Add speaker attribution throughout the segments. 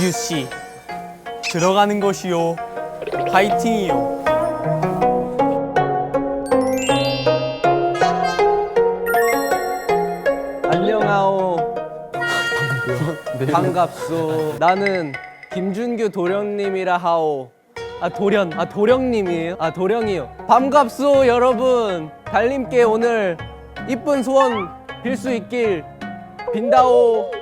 Speaker 1: 씨 들어가는 것이요 파이팅이요.
Speaker 2: 안녕하오. 반갑소. 나는 김준규 도령님이라 하오. 도령님이에요? 도령이요. 반갑소 여러분. 달님께 오늘 이쁜 소원 빌 수 있길 빈다오.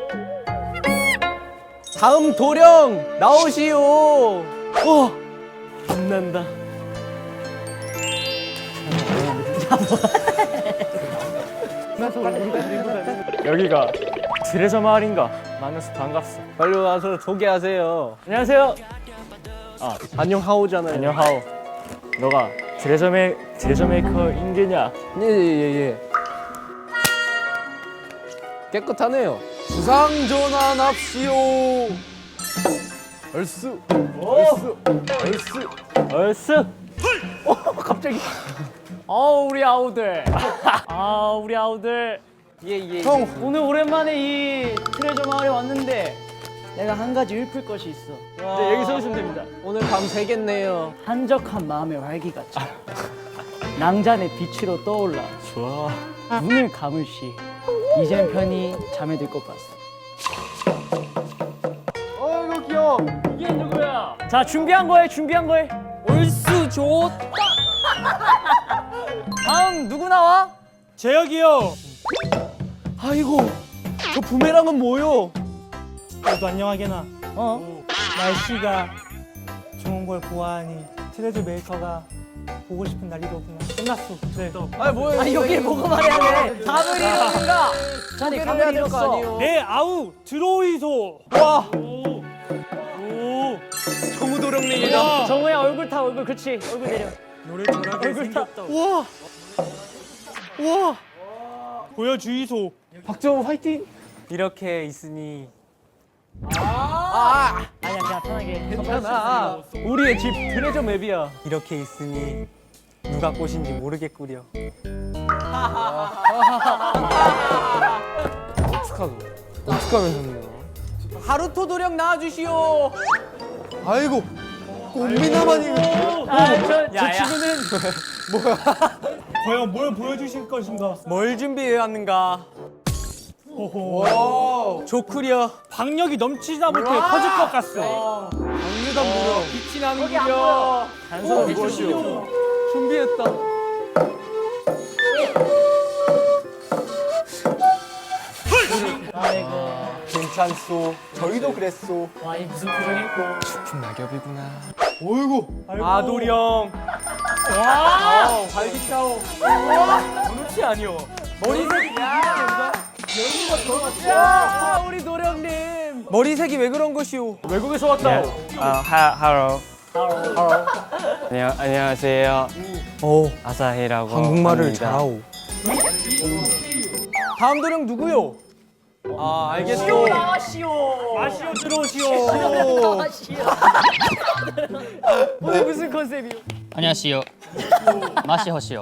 Speaker 2: 다음 도령 나오시오. 빛난다.
Speaker 1: 여기가 트레저 마을인가? 만나서 반갑소.
Speaker 2: 빨리 와서 소개하세요.
Speaker 1: 안녕하세요.
Speaker 2: 안녕하오잖아요.
Speaker 1: 안녕하오. 너가 트레저 메이커 인게냐?
Speaker 2: 예예예. 깨끗하네요. 주상 전환합시오. 얼쑤.
Speaker 1: 얼쑤.
Speaker 2: 갑자기.
Speaker 3: 우리 아우들. 우리 아우들.
Speaker 2: 예예.
Speaker 3: 형, 오늘 오랜만에 이 트레저 마을에 왔는데 내가 한 가지 읊을 것이 있어.
Speaker 1: 네, 여기 서주시면 됩니다.
Speaker 2: 오늘 밤 새겠네요.
Speaker 3: 한적한 마음의 활기같이 낭잔의 빛으로 떠올라
Speaker 1: 좋아.
Speaker 3: 눈을 감을 시 이젠 편히 잠에 들 것 같소.
Speaker 2: 이거 귀여워.
Speaker 3: 이게 누구야? 자, 준비한 거에. 얼쑤 좋다. 다음 누구 나와?
Speaker 4: 재혁이요.
Speaker 2: 아이고, 저 부메랑은 뭐요?
Speaker 4: 너도 안녕하게나. 날씨가 좋은 걸 보아하니 트레저 메이커가 보고 싶은 날이로구나. 끝났어. 네.
Speaker 2: 뭐예요?
Speaker 3: 여기를 보고 말해야 돼. 답을 잃었는가? 자네 답을 잃었어.
Speaker 4: 네, 아우 들어오이소.
Speaker 2: 와,
Speaker 4: 오.
Speaker 2: 정우도령님이다.
Speaker 3: 정우야 얼굴 타 얼굴. 그렇지. 얼굴 내려.
Speaker 4: 노래 잘하게 생겼다.
Speaker 2: 와,
Speaker 4: 보여주이소.
Speaker 2: 박정우 화이팅.
Speaker 1: 이렇게 있으니
Speaker 3: 아니야 그냥 편하게.
Speaker 2: 괜찮아. 우리의 집 트레저 맵이야.
Speaker 1: 이렇게 있으니 누가 꽃인지 모르겠구려.
Speaker 2: 어떡하면 하루토 도령 나와주시오. 아이고, 꽃미나만이.
Speaker 3: 저 친구는
Speaker 4: 과연 뭘 보여주실 것인가?
Speaker 1: 뭘 준비해 왔는가?
Speaker 4: 호호.
Speaker 1: 좋구려.
Speaker 4: 박력이 넘치다 못해 터질 것 같소.
Speaker 2: 강유단 무려 빛이 나는구려.
Speaker 1: 단서는 무엇이오?
Speaker 2: 준비했다.
Speaker 1: 괜찮소. 저희도 그랬소.
Speaker 3: 이 무슨 표정일꼬.
Speaker 1: 큰 낙엽이구나.
Speaker 2: 어이구.
Speaker 1: 아도령.
Speaker 2: 발기차오.
Speaker 1: 그렇지 아니오.
Speaker 2: 머리색이 야, 우리 도령님. 머리색이 왜 그런 것이오?
Speaker 1: 외국에서 왔다.
Speaker 5: 하로. 안녕하세요.
Speaker 1: 오,
Speaker 5: 아사히라고
Speaker 1: 한국말을
Speaker 5: 합니다.
Speaker 1: 잘하오.
Speaker 2: 다음 도령 누구요? 알겠소.
Speaker 4: 마시오 들어오시오.
Speaker 2: 오늘 무슨 컨셉이요?
Speaker 5: 안녕하세요. 마시호시요.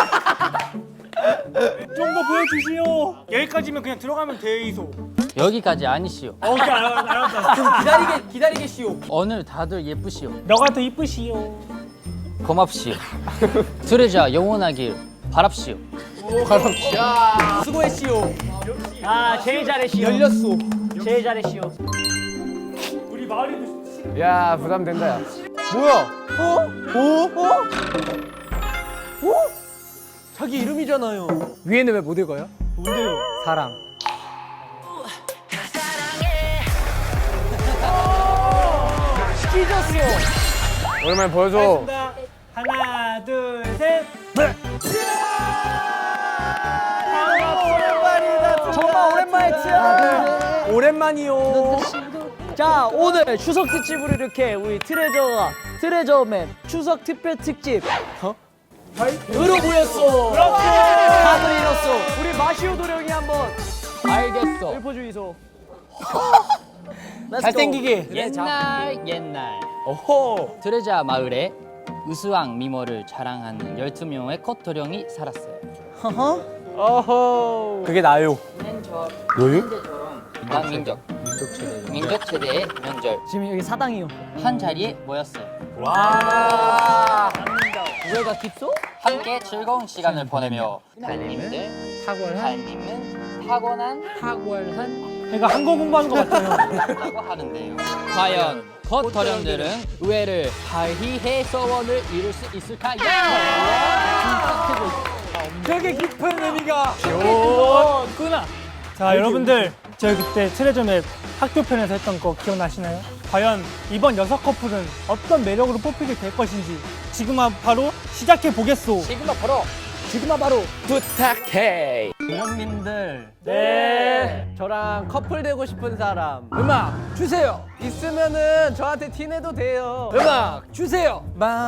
Speaker 4: 좀 더 보여주시오. 여기까지면 그냥 들어가면 돼이소.
Speaker 5: 여기까지 아니시요.
Speaker 4: 오케이 알았다.
Speaker 2: 기다리겠시오.
Speaker 5: 오늘 다들 예쁘시요.
Speaker 4: 너가 더 이쁘시오.
Speaker 5: 고맙시요. 트레저 영원하길 바랍시요.
Speaker 2: 수고했시오.
Speaker 3: 제일 잘했시오.
Speaker 2: 열렸소.
Speaker 3: 제일 잘했시오.
Speaker 4: 우리 마을이도
Speaker 2: 야, 부담된다, 야. 뭐야? 자기 이름이잖아요. 위에는 왜 못 읽어요?
Speaker 4: 뭔데요?
Speaker 2: 사랑. 찢었어. 오랜만에 보여줘.
Speaker 4: 하겠습니다. 하나 둘 셋.
Speaker 3: 정말 오랜만에 치아.
Speaker 2: 오랜만이요.
Speaker 3: 자, 오늘 추석 특집으로 이렇게 우리 트레저맨 추석 특별 특집 으로 모였어. 다들 잃었어. 우리 마시오 도령이 한번
Speaker 2: 알겠어.
Speaker 3: 읊어주이소.
Speaker 2: 잘생기게.
Speaker 5: 옛날
Speaker 2: 어허.
Speaker 5: 트레저 마을에 우수왕 미모를 자랑하는 12명의 컷도령이 살았어요.
Speaker 2: 어허. 그게 나요.
Speaker 5: 너요? 난 민족. 민족 최대의 명절.
Speaker 3: 지금 여기 사당이요.
Speaker 5: 한 자리에 모였어요.
Speaker 3: 누가 깊소?
Speaker 5: 함께 즐거운 시간을 보내며 달님은 탁월한
Speaker 4: 내가 한국 공부하는 것 같아요.
Speaker 5: 라고 하는데요. 과연 겉터령들은 의외를 발휘해 소원을 이룰 수 있을까요?
Speaker 2: 되게 깊은 의미가.
Speaker 4: 구나. 자, 여러분들 저희 그때 트레저맵 학교 편에서 했던 거 기억나시나요? 과연 이번 6커플은 어떤 매력으로 뽑히게 될 것인지 지금 바로 시작해 보겠소.
Speaker 3: 지금아 바로 부탁해.
Speaker 2: 도령님들.
Speaker 4: 네.
Speaker 2: 저랑 커플 되고 싶은 사람 음악 주세요. 있으면은 저한테 티내도 돼요. 음악 주세요.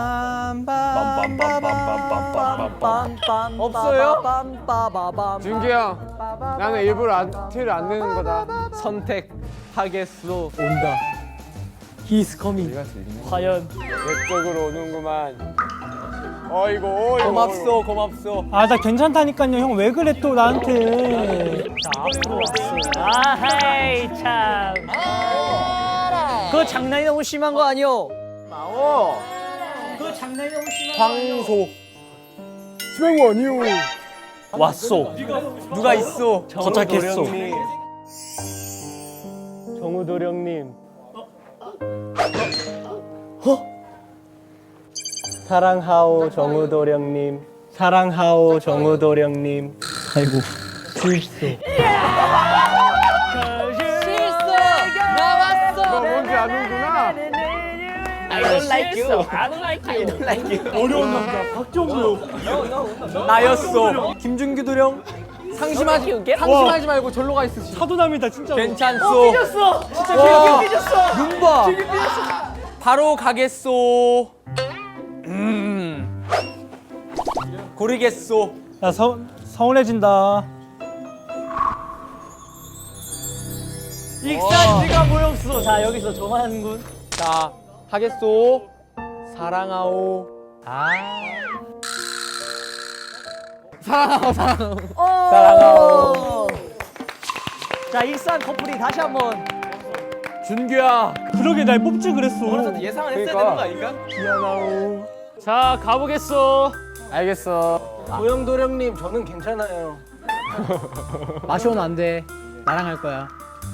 Speaker 2: 없어요? 준규 형, 나는 일부러 티를 안 내는 거다. 선택하겠소. 온다.
Speaker 4: He's coming. 과연
Speaker 2: 내쪽으로 오는구만. 어이구, 고맙소, 고맙소.
Speaker 4: 아, 나 괜찮다니까요. 형 왜 그래 또 나한테.
Speaker 3: 아하이 참. 그거 장난이 너무 심한 거 아니오?
Speaker 2: 황소. 심한 거 아니오. 왔소. 누가 있어?
Speaker 4: 도착했소.
Speaker 2: 정우도령님. 사랑하오 정우도령님. 사랑하오 정우도령님.
Speaker 4: 아이고.
Speaker 2: 실수.
Speaker 3: 나왔어.
Speaker 2: 뭔지 아는구나.
Speaker 3: I don't like you. I don't like you.
Speaker 4: 어려운 남자 박정우.
Speaker 2: 나였어. 김준규 도령. 상심하지 말고 절로 가 있으시.
Speaker 4: 사도남이다 진짜.
Speaker 2: 괜찮소. 진짜 삐졌어. 눈 봐. 바로 가겠소. 고르겠소.
Speaker 4: 야, 서운해진다.
Speaker 3: 익산지가 모였어. 자 여기서 정한군.
Speaker 2: 자, 하겠소. 사랑하오. 사랑하오.
Speaker 3: 자 익산 커플이 다시 한번.
Speaker 2: 준규야.
Speaker 4: 그러게 날 뽑지 그랬어.
Speaker 2: 예상을 했어야 되는 거 아닌가? 미안하오.
Speaker 3: 자 가보겠어.
Speaker 2: 알겠어. 도영도령님, 저는 괜찮아요.
Speaker 3: 마시오는 안 돼. 나랑 할 거야.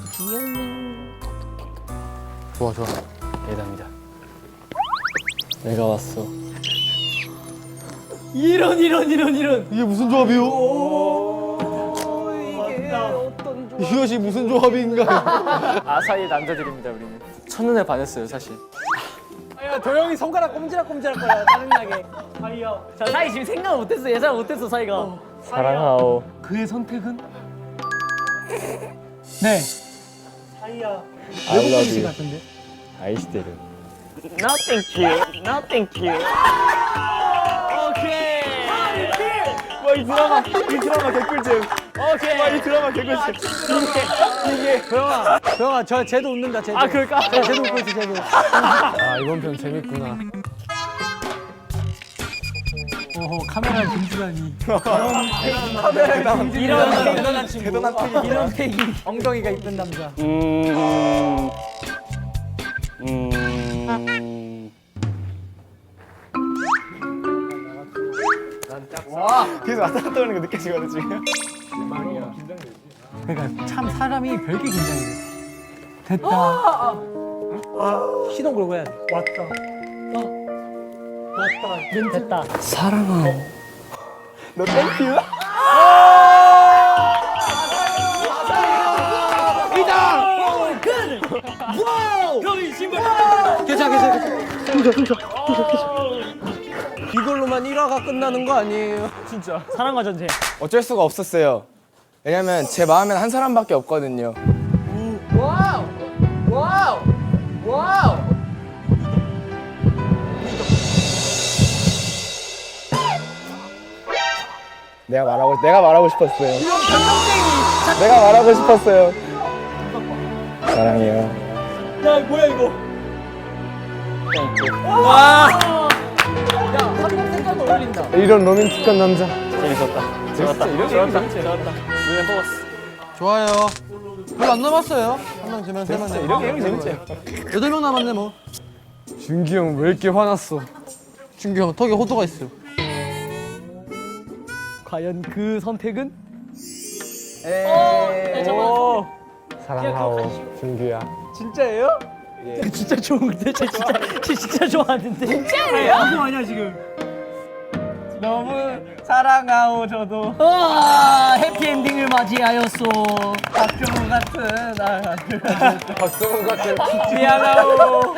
Speaker 2: 좋아. 예담이다. 내가 왔어.
Speaker 3: 이런.
Speaker 2: 이게 무슨 조합이요? 이것이 무슨 조합인가요? 아사히 남자들입니다, 우리는. 첫눈에 반했어요, 사실.
Speaker 3: 야 도영이 손가락 꼼지락꼼지락 거려 짜증나게. 자 사이 지금 생각 못했어. 예상 못했어 사이가.
Speaker 2: 사랑하오.
Speaker 4: 그의 선택은? 네.
Speaker 2: I love you.
Speaker 4: 같은데.
Speaker 2: 아이시대를.
Speaker 3: 오케이.
Speaker 2: 와, 이 드라마 개꿀잼.
Speaker 3: 오케이.
Speaker 2: 이 드라마 개꿀잼. 이게.
Speaker 3: 도영아 저 쟤도 웃는다. 쟤도.
Speaker 2: 아, 그럴까?
Speaker 3: 쟤도 웃고 있어 쟤도.
Speaker 2: 아, 이번 편 재밌구나.
Speaker 4: 카메라 김주환이.
Speaker 3: 이런 대단한 친구. 이런 패기. 엉덩이가 이쁜 남자.
Speaker 2: 계속 왔다 갔다 오는 거 느껴지거든, 지금.
Speaker 4: 그러니까 참 사람이 별게 긴장이 돼. 됐다.
Speaker 3: 시동 걸고 해야 돼.
Speaker 4: 왔다.
Speaker 3: 됐다.
Speaker 2: 너 땡큐?
Speaker 3: 괜찮아. 이걸로만 1화가 끝나는 거 아니에요? 진짜. 사랑과 전쟁.
Speaker 6: 어쩔 수가 없었어요. 왜냐면 제 마음엔 한 사람밖에 없거든요.
Speaker 3: 와우.
Speaker 6: 내가 말하고 싶었어요. 내가 말하고 싶었어요. 사랑해요.
Speaker 3: 야 뭐야 이거? 한번 색깔도 어울린다.
Speaker 6: 이런 로맨틱한 남자.
Speaker 2: 재밌었다.
Speaker 6: 좋았다.
Speaker 2: 눈에 뽑았어.
Speaker 6: 좋아요.
Speaker 2: 별로 안 남았어요. 한 명, 두 명, 세 명, 네 명. 이렇게 재밌지. 8명 남았네 뭐.
Speaker 6: 준기 형 왜 이렇게 화났어?
Speaker 2: 준규 형 턱에 호두가 있어요.
Speaker 3: 과연 그 선택은?
Speaker 6: 사랑하오 준규야.
Speaker 2: 진짜예요?
Speaker 3: 진짜 좋은데? 진짜 좋아하는데? 진짜예요?
Speaker 4: 이거 아니야 지금.
Speaker 2: 너무 사랑하오 저도.
Speaker 3: 해피엔딩을 맞이하였소.
Speaker 2: 박정우 같은
Speaker 6: 박정훈 같은
Speaker 2: 미안하오.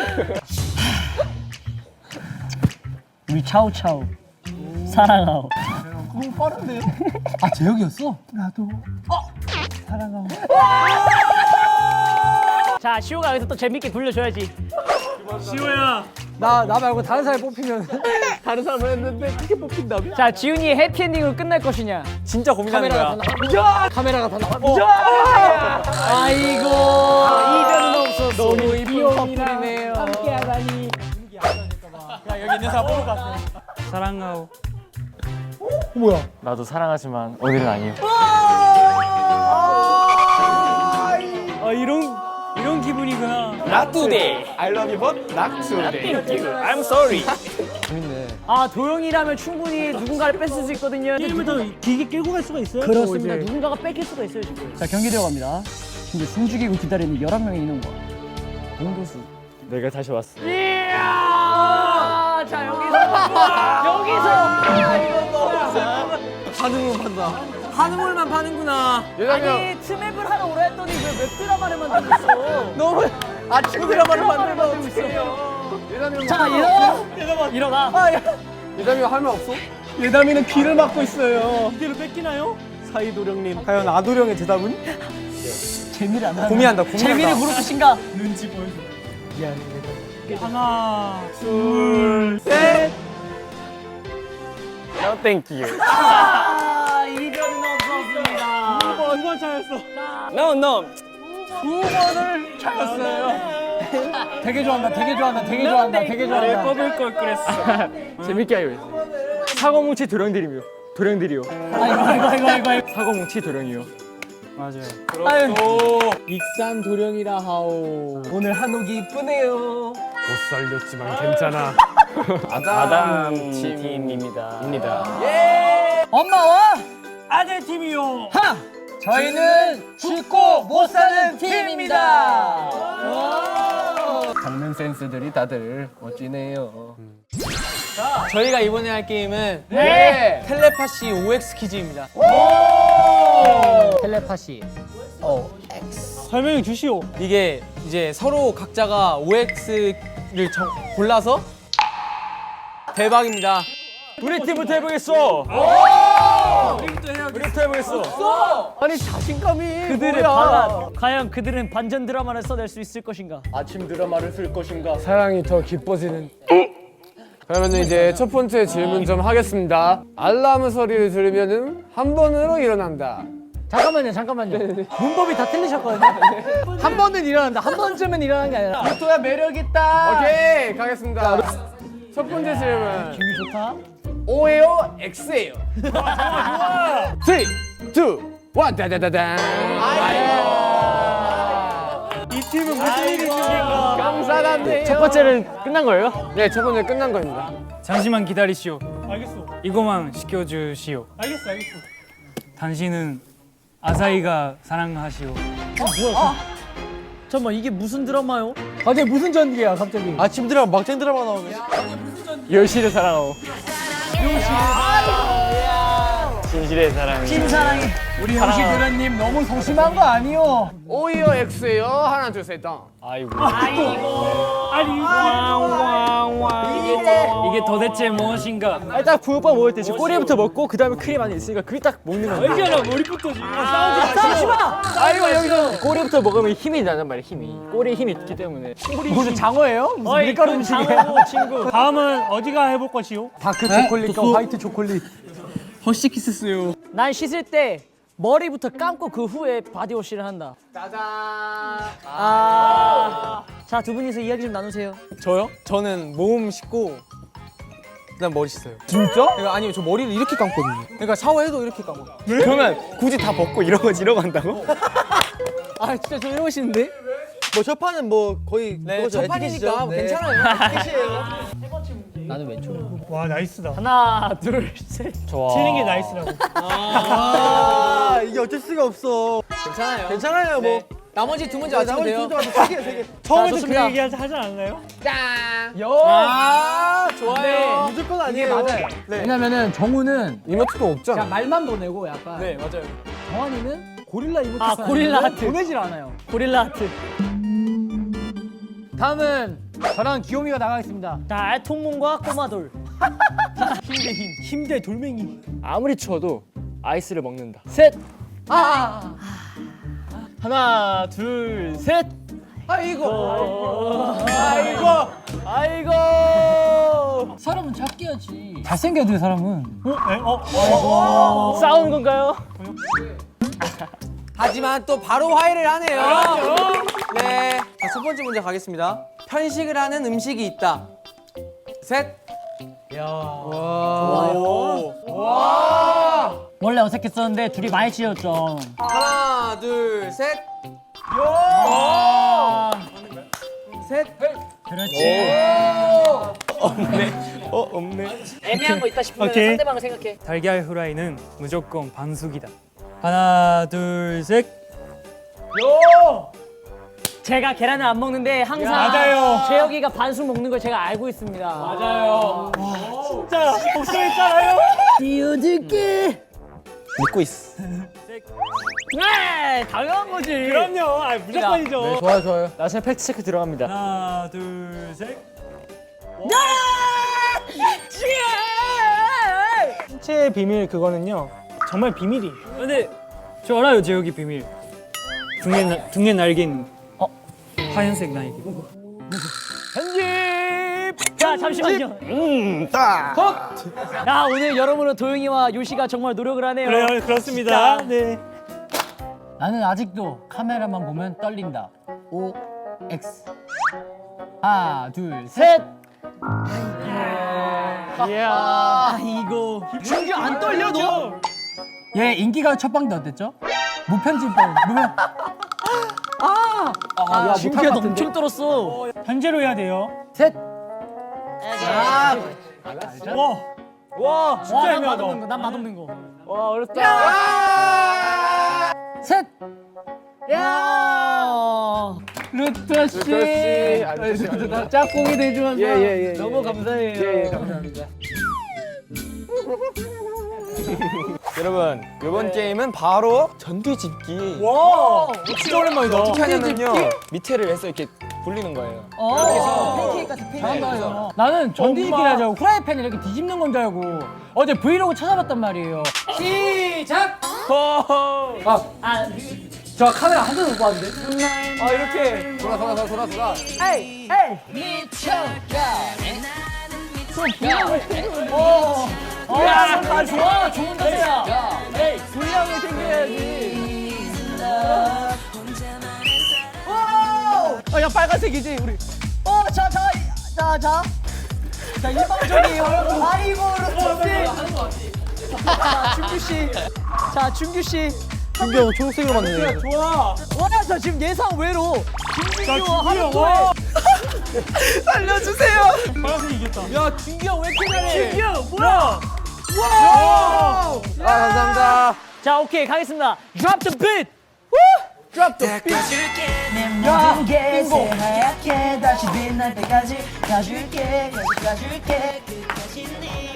Speaker 3: 우리 차우차우 사랑하오.
Speaker 2: 너무 빠른데요? 아 재혁이었어?
Speaker 3: 자, 시호가 여기서 또 재밌게 굴려줘야지.
Speaker 4: 시호야.
Speaker 2: 나 말고 다른 사람이 뽑히면 다른 사람을 했는데 그렇게 뽑힌다며?
Speaker 3: 자, 지훈이의 해피엔딩으로 끝날 것이냐?
Speaker 1: 진짜 고민하는 거야.
Speaker 2: 카메라가 다 나와.
Speaker 3: 아이고, 이변은 없었어.
Speaker 2: 너무 이쁜 커플이네요.
Speaker 3: 함께하다니.
Speaker 1: 여기 있는 사람 뽑을 것 같아.
Speaker 4: 사랑하오.
Speaker 1: 나도 사랑하지만 오늘은 아니에요.
Speaker 4: 이런 기분이구나.
Speaker 6: Not today. I love you but not today. I'm sorry.
Speaker 2: 재밌네.
Speaker 3: 아, 도영이라면 충분히 누군가를 뺏을 수 있거든요.
Speaker 4: 게임을 더 길게 끌고 갈 수가 있어요.
Speaker 3: 그렇습니다.
Speaker 4: 또 이제.
Speaker 3: 누군가가 뺏길 수가 있어요, 지금. 자, 경기 들어갑니다. 이제 숨죽이고 기다리는 11명의 인원과 공도수.
Speaker 1: 내가 다시 왔어.
Speaker 3: 이야! 자, 여기서
Speaker 2: 반응만 판다. 한우물만 파는구나.
Speaker 3: 아니, 트맵을 하러 오라 했더니 왜 웹드라마를 만들고 있어?
Speaker 2: 너무 아침 드라마를 만들고 있어.
Speaker 3: 자, 일어나.
Speaker 2: 예담이 할 말 없어? 예담이는 귀를 막고 있어요.
Speaker 4: 이대로 뺏기나요?
Speaker 1: 사이도령님. 과연 아도령의 대답은?
Speaker 3: 재미를 안 하는.
Speaker 1: 고민한다.
Speaker 3: 재미를 부를 것인가?
Speaker 4: 하나, 둘,
Speaker 1: 셋. No, thank you.
Speaker 3: 아, 이변은 없었습니다.
Speaker 4: 2번 차였어.
Speaker 1: No, no.
Speaker 2: 9번을 차였어요. 되게 좋아한다. 되게 좋아한다. 되게 좋아한다. 되게
Speaker 4: 나를
Speaker 2: 좋아한다.
Speaker 4: 뽑을 걸 그랬어.
Speaker 1: 재밌게 하려 했어. 사고뭉치 도령들이요. 도령들이요.
Speaker 3: 아이고.
Speaker 1: 사고뭉치 도령이요.
Speaker 4: 맞아요.
Speaker 2: 익산 도령이라 하오. 오늘 한옥이 이쁘네요.
Speaker 6: 못 살렸지만 괜찮아.
Speaker 1: 아담 팀입니다.
Speaker 3: 엄마와
Speaker 4: 아들 팀이요.
Speaker 2: 저희는 죽고 못 사는 팀입니다.
Speaker 6: 장면 센스들이 다들 멋지네요.
Speaker 2: 저희가 이번에 할 게임은
Speaker 3: 네.
Speaker 2: 텔레파시 OX 퀴즈입니다.
Speaker 3: 텔레파시.
Speaker 4: 설명해 주시오.
Speaker 2: 이게 이제 서로 각자가 OX를 골라서 대박입니다.
Speaker 1: 우리 팀부터 해보겠어. 우리부터 해보겠어.
Speaker 2: 아니 자신감이
Speaker 3: 그들의
Speaker 2: 뭐야?
Speaker 3: 반란. 과연 그들은 반전 드라마를 써낼 수 있을 것인가?
Speaker 6: 아침 드라마를 쓸 것인가? 사랑이 더 기뻐지는. 그러면 이제 첫 번째 질문 좀 하겠습니다. 알람 소리를 들으면은 한 번으로 일어난다.
Speaker 3: 잠깐만요. 문법이 다 틀리셨거든요. 한 번은 일어난다. 한 번쯤은 일어나는 게 아니라.
Speaker 2: 또야 매력 있다.
Speaker 6: 오케이 가겠습니다. 첫 번째 질문.
Speaker 3: 기분이 좋다.
Speaker 6: O예요, X예요. 좋아. 3, 2, 1 다다다단.
Speaker 4: 이 팀은 무슨 일이 있으신가?
Speaker 6: 감사합니다.
Speaker 1: 첫 번째는 끝난 거예요?
Speaker 6: 네, 첫 번째 끝난 겁니다.
Speaker 4: 잠시만 기다리시오. 알겠어. 이거만 시켜주시오. 알겠어. 당신은 아사히가 사랑하시오.
Speaker 3: 잠깐만, 이게 무슨 드라마요?
Speaker 2: 갑자기 무슨 전기야 갑자기? 아침 드라마 막장 드라마 나오네.
Speaker 1: 10시를 사랑하오. 진실의 사랑.
Speaker 3: 찐사랑이.
Speaker 2: 우리 형식 드라님 너무 소심한 거 아니요?
Speaker 6: O예요, X예요. 하나, 둘, 셋, 덩.
Speaker 1: 아이고.
Speaker 4: 이게 도대체 무엇인가?
Speaker 1: 딱 붕어빵 먹을 때 지금 꼬리부터 먹고 그 다음에 크림 안에 있으니까 그게 딱 먹는 거야.
Speaker 4: 알잖아, 머리부터 지금 싸우지
Speaker 3: 마!
Speaker 1: 아이고 여기서 꼬리부터 먹으면 힘이 나단 말이야. 힘이. 꼬리에 힘이 있기 때문에.
Speaker 2: 무슨 장어예요? 무슨
Speaker 3: 어이,
Speaker 2: 밀가루
Speaker 3: 그건
Speaker 2: 음식이야?
Speaker 3: 장어고, 친구.
Speaker 4: 다음은 어디가 해볼 것이오?
Speaker 2: 다크 초콜릿과 화이트 초콜릿.
Speaker 1: 허쉬키스스요.
Speaker 3: 난 씻을 때 머리부터 감고 그 후에 바디워시를 한다.
Speaker 6: 짜잔.
Speaker 3: 자, 두 분이서 이야기 좀 나누세요.
Speaker 2: 저요? 저는 몸 씻고 그다음 머리 씻어요.
Speaker 6: 진짜?
Speaker 2: 그러니까 아니요, 저 머리를 이렇게 감거든요. 그러니까 샤워해도 이렇게 감아.
Speaker 1: 그러면 굳이 다 벗고 이러고 한다고?
Speaker 2: 아 진짜 좀 해보시는데?
Speaker 3: 뭐 첫 판은 뭐 거의
Speaker 2: 네, 첫 판이니까 괜찮아요.
Speaker 5: 나는 왼쪽.
Speaker 4: 와 나이스다.
Speaker 3: 하나, 둘, 셋.
Speaker 4: 틀린 게 나이스라고.
Speaker 3: 아, 이게 어쩔 수가 없어.
Speaker 2: 괜찮아요.
Speaker 3: 괜찮아요, 뭐.
Speaker 2: 네. 나머지 두 문제 맞추면 돼요.
Speaker 3: 세 개.
Speaker 4: 처음에도 그
Speaker 3: 좋습니다.
Speaker 4: 얘기 하지 않았나요?
Speaker 2: 아 좋아요.
Speaker 3: 무조건 아니에요.
Speaker 2: 맞아요.
Speaker 5: 왜냐면은 정우는
Speaker 6: 이모티콘 없잖아.
Speaker 3: 말만 보내고 약간.
Speaker 2: 네 맞아요.
Speaker 3: 정환이는 고릴라 이모티콘.
Speaker 5: 아, 고릴라
Speaker 3: 아니면
Speaker 5: 하트.
Speaker 3: 보내질 않아요.
Speaker 5: 고릴라 하트.
Speaker 3: 다음은 저랑 귀요미가 나가겠습니다.
Speaker 5: 자, 통문과 꼬마돌.
Speaker 4: 힘 대 돌멩이.
Speaker 1: 아무리 추워도 아이스를 먹는다. 셋. 하나, 둘, 셋.
Speaker 3: 아이고.
Speaker 5: 사람은 잡기야지.
Speaker 3: 잘생겨야 돼, 사람은.
Speaker 1: 싸우는 건가요?
Speaker 2: 하지만 또 바로 화해를 하네요. 네. 자, 첫 번째 문제 가겠습니다. 편식을 하는 음식이 있다. 셋.
Speaker 5: 원래 어색했었는데 둘이 많이 치였죠.
Speaker 2: 하나, 둘, 셋. 셋.
Speaker 5: 그렇지.
Speaker 1: 없네.
Speaker 5: 애매한 거 있다 싶으면
Speaker 4: 오케이.
Speaker 5: 상대방을 생각해.
Speaker 4: 달걀 후라이는 무조건 반숙이다. 하나 둘 셋.
Speaker 5: 제가 계란을 안 먹는데 항상
Speaker 4: 맞아요.
Speaker 5: 재혁이가 반숙 먹는 걸 제가 알고 있습니다.
Speaker 2: 맞아요.
Speaker 4: 진짜 복수했잖아요.
Speaker 5: 띄워줄게.
Speaker 1: 믿고 있어.
Speaker 5: 네, 당연한 거지.
Speaker 4: 그럼요. 아 무조건이죠.
Speaker 6: 좋아요.
Speaker 1: 나중에 팩트 체크 들어갑니다.
Speaker 4: 하나 둘 셋. 신체의 비밀 그거는요 정말 비밀이에요. 근데 저 알아요 제혁이 비밀. 등에 날개 있는 하얀색 날개.
Speaker 5: 자, 잠시만요. 야, 오늘 여러분은 도영이와 요시가 정말 노력을 하네요.
Speaker 4: 그래요 그렇습니다.
Speaker 5: 진짜.
Speaker 4: 네.
Speaker 5: 나는 아직도 카메라만 보면 떨린다. O X. 하나, 둘, 셋. 이야, 이거. 준규 안 떨려 너? 얘 인기가 첫 방도 어땠죠? 무편집방. 야, 준규가 엄청 떨었어.
Speaker 4: 현재로 해야 돼요.
Speaker 5: 셋.
Speaker 4: 와 진짜
Speaker 5: 난
Speaker 4: 애매하다.
Speaker 5: 맛없는 거, 난 맛없는 거.
Speaker 1: 와 어렵다.
Speaker 5: 셋. 야. 루터 씨. 짝꿍이 돼주면서
Speaker 1: 예.
Speaker 5: 너무 감사해요.
Speaker 1: 예, 감사합니다. 여러분 이번 게임은 바로 전뒤집기.
Speaker 4: 와
Speaker 1: 진짜 오랜만이다. 어떻게 하냐면요 밑에를 해서 이렇게 굴리는 거예요.
Speaker 5: 팬케이크 같은 팬케이크. 나는 전뒤집기를 하자고 후라이팬 이렇게 뒤집는 건 줄 알고 어제 브이로그 찾아봤단 말이에요.
Speaker 2: 시작.
Speaker 3: 저 카메라 한 대도 못 봤는데.
Speaker 2: 아 이렇게.
Speaker 6: 돌아.
Speaker 5: 에이. 야, 다 좋아. 좋은 자세야. 에이, 분량이 생겨야지.
Speaker 2: 야 빨간색이지 우리.
Speaker 5: 자, 일방적이에요. 아이고, 루트 씨. 자, 준규 씨.
Speaker 3: 준규 형 초록색으로 봤네.
Speaker 4: 좋아.
Speaker 5: 와, 저 지금 예상 외로
Speaker 4: 자
Speaker 5: 김준규와
Speaker 4: 준규 형.
Speaker 5: 하루토에
Speaker 4: 와.
Speaker 2: 살려주세요.
Speaker 4: 파란색 이겼다.
Speaker 2: 야 준규 형 왜 이렇게 잘해?
Speaker 4: 준규 형 뭐야?
Speaker 6: 감사합니다.
Speaker 5: 자, 오케이, 가겠습니다. Drop the beat.
Speaker 7: 모든 게 새하얗게 다시 빛날 때까지 가줄게 끝까지 네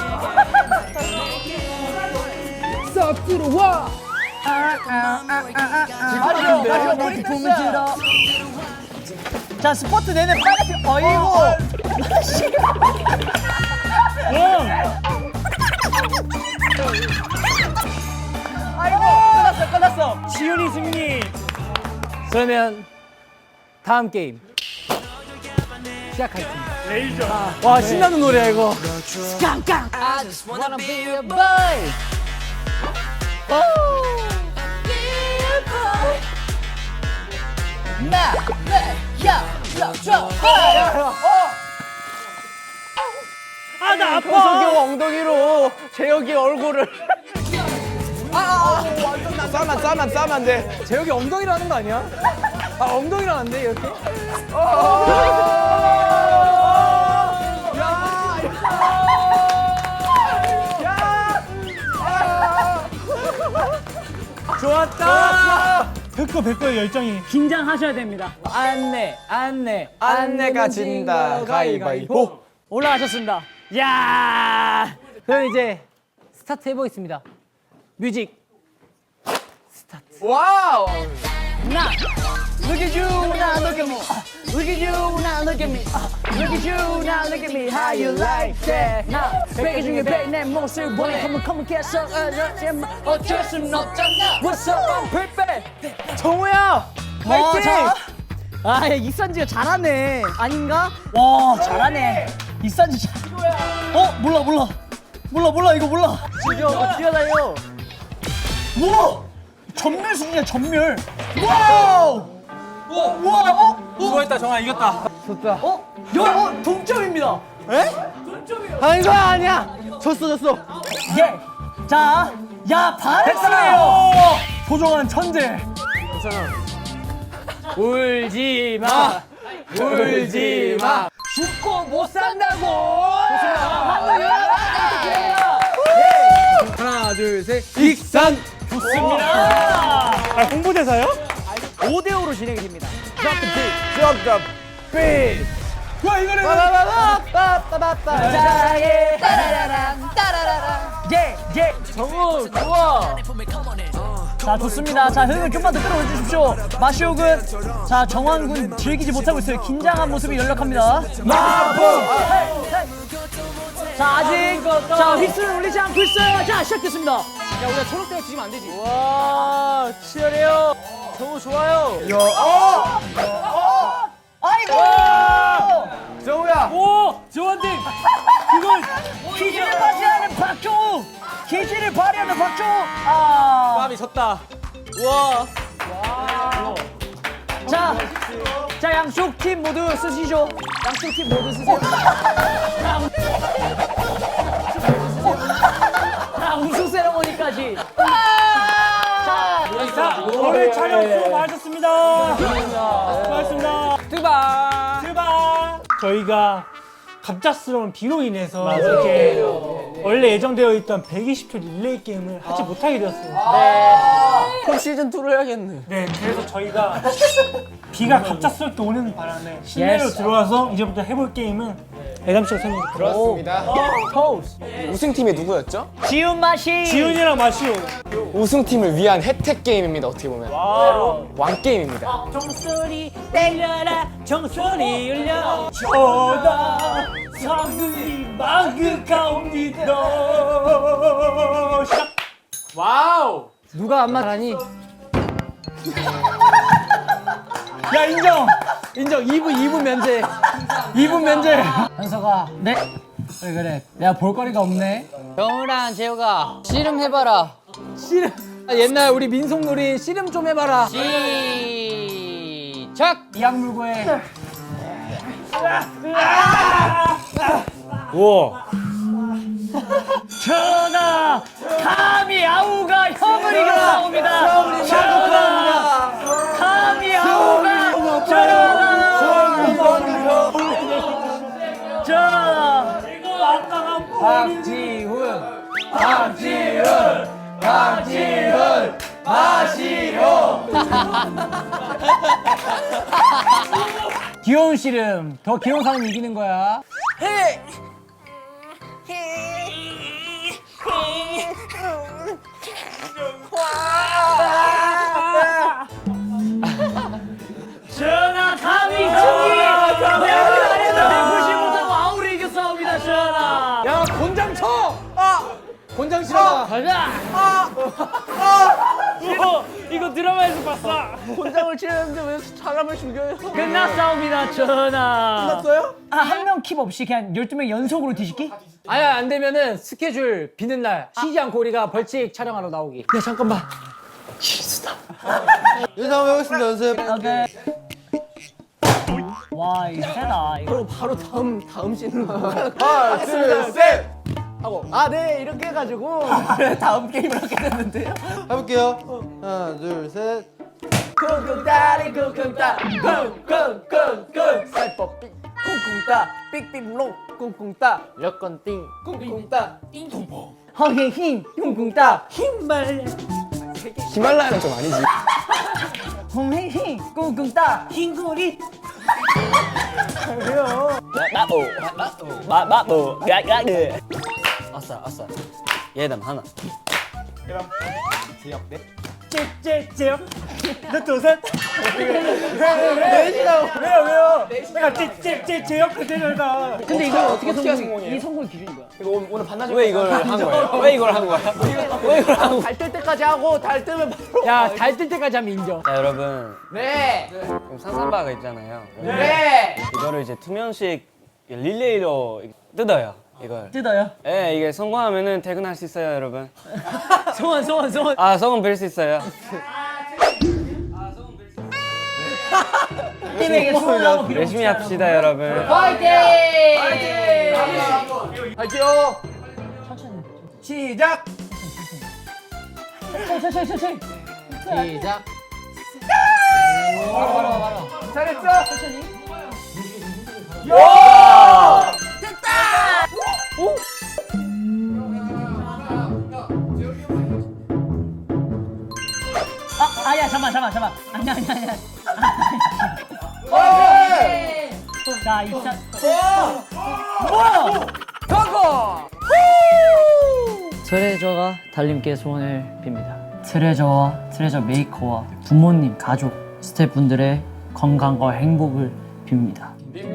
Speaker 2: 싹 들어와.
Speaker 5: 마지막 우리 품을 들어. 자, 스포트 내내 빨갛게. 어이구. 아이고, 끝났어.
Speaker 4: 지훈이 승리.
Speaker 2: 그러면 다음 게임 시작하겠습니다.
Speaker 4: 레이저.
Speaker 2: 와 신나는 노래야 이거.
Speaker 5: I just wanna be a boy.
Speaker 4: 아 나 아파.
Speaker 2: 현석이 형 엉덩이로 재혁이 얼굴을. 싸면 안 돼. 재혁이 엉덩이로 하는 거 아니야? 아, 엉덩이로 하는데, 이렇게?
Speaker 4: 좋았다. 100%의 열정이.
Speaker 3: 긴장하셔야 됩니다.
Speaker 2: 안내가 진다, 가위바위보.
Speaker 3: 올라가셨습니다. 야! 그럼 이제 스타트 해보겠습니다. 뮤직
Speaker 2: 와우!
Speaker 3: 나 Look at you, now look at me. Look at you, now look at me. Look at you, now look at me. How you like that? 나 베개 중에 베이 내 모습 원해. come get 어쩔 순 없잖아. What's up, I'm perfect.
Speaker 2: 정우야!
Speaker 3: 아, 이산지가 잘하네. 아닌가? 와, 잘하네. 이산지 잘. 몰라 이거 몰라. 지금 뛰어다녀. 우와! 전멸 수준이야, 전멸. 와우! 우와!
Speaker 2: 수고했다, 정아, 이겼다.
Speaker 3: 동점입니다.
Speaker 2: 아니, 아니야! 졌어.
Speaker 3: 예. 자, 야, 반했어요. 소중한 천재. 울지 마. 울지 마. 죽고 못 산다고.
Speaker 2: 하나, 둘, 셋. 익산!
Speaker 4: 아, 홍보대사요?
Speaker 3: 5대5로 진행이 됩니다.
Speaker 2: Drop the beat! 야, 이거는!
Speaker 3: 자예 따라라랑 따라라랑 예. 정우 좋아. 자, 좋습니다. 자, 흥을 좀만 더 끌어올려 주십시오. 마시오군, 자, 정환군 즐기지 못하고 있어요. 긴장한 모습이 연락합니다. 자, 아직 자, 휘슬을 울리지 않고 있어요. 자, 시작됐습니다.
Speaker 2: 야, 우리가 초록색을 지면 안 되지. 와, 치열해요. 정우 좋아요.
Speaker 3: 아이고!
Speaker 2: 정우야!
Speaker 4: 오! 조원딩! 이걸
Speaker 3: 기질을 발휘하는 박정우! 기질을 발휘하는 박정우!
Speaker 2: 땀이 졌다. 우와.
Speaker 3: 자, 양쪽 팀 모두 쓰시죠. 양쪽 팀 모두 쓰세요. 자, 우승 세레머니까지.
Speaker 4: 자, 오늘 촬영 수고 많으셨습니다. 수고하셨습니다. 뜨바. 저희가 갑작스러운 비로 인해서 이렇게 원래 예정되어 있던 120초 릴레이 게임을 하지 못하게 되었습니다.
Speaker 2: 그럼 시즌2로 해야겠네.
Speaker 4: 네, 그래서 저희가 비가 갑작스럽게 오는 바람에 실내로 들어와서 이제부터 해볼 게임은 애담 씨가 설명해 주세요.
Speaker 2: 그렇습니다. 우승팀이 누구였죠?
Speaker 3: 지훈 맛이.
Speaker 4: 지훈이랑 마시오.
Speaker 2: 우승팀을 위한 혜택 게임입니다, 어떻게 보면. 왕게임입니다.
Speaker 3: 종소리 때려라, 종소리 울려.
Speaker 4: 저다 상근이 마그가옵니다.
Speaker 2: 와우!
Speaker 3: 누가 안 말하니?
Speaker 2: 야, 인정! 2분 면제. 2분 면제.
Speaker 3: 현서가 네? 그래 내가 볼거리가 없네.
Speaker 5: 정우랑 재호가 씨름 해봐라.
Speaker 2: 옛날 우리 민속놀이 씨름 좀 해봐라.
Speaker 5: 시작.
Speaker 3: 이악 물고 해.
Speaker 6: 우와.
Speaker 3: 전하, 감히 아우가 형을 이겨 싸웁니다. 전하, 감히 아우가 전하. 박지훈, 마시오. 귀여운 씨름, 더 귀여운 사람이 이기는 거야. 전하, 감히 승리! 내가 잘했는데 무시 못하고 아우를 이겼사옵니다, 전하.
Speaker 2: 야, 곤장 쳐! 곤장 치러
Speaker 3: 가자.
Speaker 4: 이거 드라마에서 봤어.
Speaker 2: 곤장을 치는데 왜 사람을 죽여요?
Speaker 3: 끝났사옵니다, 전하.
Speaker 2: 끝났어요?
Speaker 3: 한 명 킵 없이 그냥 12명 연속으로 뒤집기?
Speaker 5: 아야 안 되면은 스케줄 비는 날 쉬지 않고 우리가 벌칙 촬영하러 나오기.
Speaker 2: 야, 잠깐만. 연습 한번 해보겠습니다, 연습.
Speaker 3: 오케이. 와, 이거 세다. 이거.
Speaker 2: 바로 다음 씬으로. 하나, 둘, 셋!
Speaker 3: 하고 아 네 이렇게 해가지고 다음 게임을 하게 됐는데요.
Speaker 2: 해볼게요. 하나, 둘, 셋.
Speaker 3: 쿵쿵따리 쿵쿵따 쿵쿵쿵쿵 살법 삑 쿵쿵따 삑삑롱 쿵쿵따 여건띵 쿵쿵따 띵통퐁 허헤힘 쿵쿵따 힘말
Speaker 6: 히말라야는 좀 아니지.
Speaker 3: 홈헤힘 쿵쿵따 흰구리
Speaker 2: 아싸. 예담 하나.
Speaker 4: 찌찌찌요. 하나 둘셋. 왜요? 내가 찌찌찌요 그대로다.
Speaker 3: 근데 이걸 어떻게 성공? 이 성공 기준이 뭐야?
Speaker 6: 왜 이걸 한 거예요? 왜 이걸 한 거야? 왜 이걸 한 거야?
Speaker 3: 달 뜰 때까지 하고 달 뜨면 바로
Speaker 5: 야, 달 뜰 때까지 하면 인정.
Speaker 8: 자 여러분
Speaker 3: 네
Speaker 8: 지금 산삼바가 있잖아요.
Speaker 3: 네.
Speaker 8: 이거를 이제 2명씩 릴레이로 뜯어요. 이걸.
Speaker 3: 뜯어요.
Speaker 8: 예, 이게 성공하면은 퇴근할 수 있어요, 여러분.
Speaker 5: 소원.
Speaker 8: 아, 소원 빌 수 있어요.
Speaker 3: 팀에게 소원하고 빌어.
Speaker 8: 열심히 합시다, 여러분.
Speaker 3: 화이팅! 화이팅요! 시작!
Speaker 5: 천천히.
Speaker 3: 시작! 잘했어!
Speaker 5: 아야, 잠깐만. 아니야. 자, 입사. 트레저가 달님께 소원을 빕니다. 트레저와 트레저 메이커와 부모님, 가족, 스태프분들의 건강과 행복을 빕니다.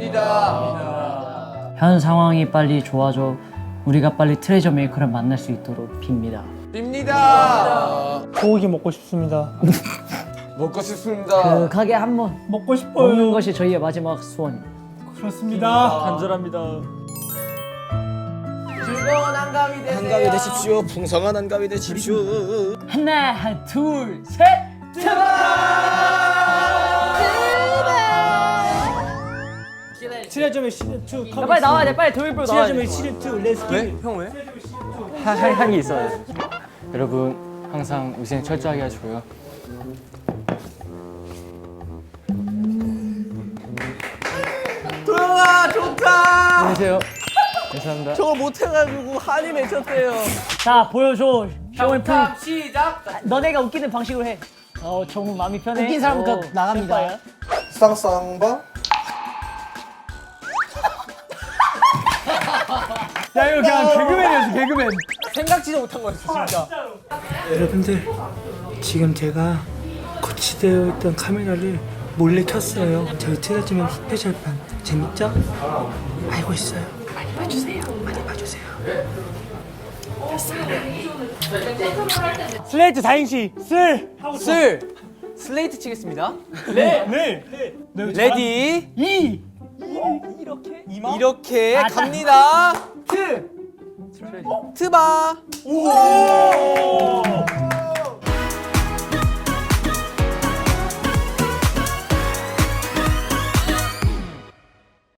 Speaker 2: 빕니다.
Speaker 5: 현 상황이 빨리 좋아져 우리가 빨리 트레저 메이커를 만날 수 있도록 빕니다.
Speaker 2: 빕니다.
Speaker 4: 고기 먹고 싶습니다.
Speaker 2: 먹고 싶습니다.
Speaker 3: 그 가게 한번
Speaker 4: 먹고 싶어요.
Speaker 5: 먹는 것이 저희의 마지막 소원입니다.
Speaker 4: 그렇습니다.
Speaker 1: 간절합니다.
Speaker 2: 즐거운 한가위 되세요.
Speaker 7: 풍성한 한가위 되십시오.
Speaker 5: 하나, 둘, 셋.
Speaker 4: 트레저맨 시즌 2 컴.
Speaker 5: 빨리 나와야 돼. 빨리 도입부로 나와야 돼.
Speaker 4: 트레저맨 시즌 2 렛츠 기.
Speaker 2: 형 왜?
Speaker 1: 한 게 있어요. 여러분 항상 위생 철저하게 하시고요.
Speaker 2: 도영아 좋다.
Speaker 1: 안녕하세요. 감사합니다.
Speaker 2: 저거 못해가지고 한이 맺혔대요.
Speaker 5: 자, 보여줘. 쇼앤 프루.
Speaker 2: 시작.
Speaker 5: 너네가 웃기는 방식으로 해. 정말 마음이 편해.
Speaker 3: 웃긴 사람부터 나갑니다.
Speaker 2: 쌍쌍바.
Speaker 1: 야 이거 그냥 개그맨이었어 개그맨.
Speaker 2: 생각지도 못한 거였어 진짜.
Speaker 9: 여러분들 지금 제가 거치되어 있던 카메라를 몰래 켰어요. 저희 트레저맨 스페셜판 재밌죠? 알고 있어요. 많이 봐주세요. 많이 봐주세요.
Speaker 4: 슬레이트 4인시 쓸.
Speaker 2: 슬레이트 치겠습니다.
Speaker 4: 네.
Speaker 2: 레디. 이렇게
Speaker 5: 아,
Speaker 2: 갑니다. 트바. 오.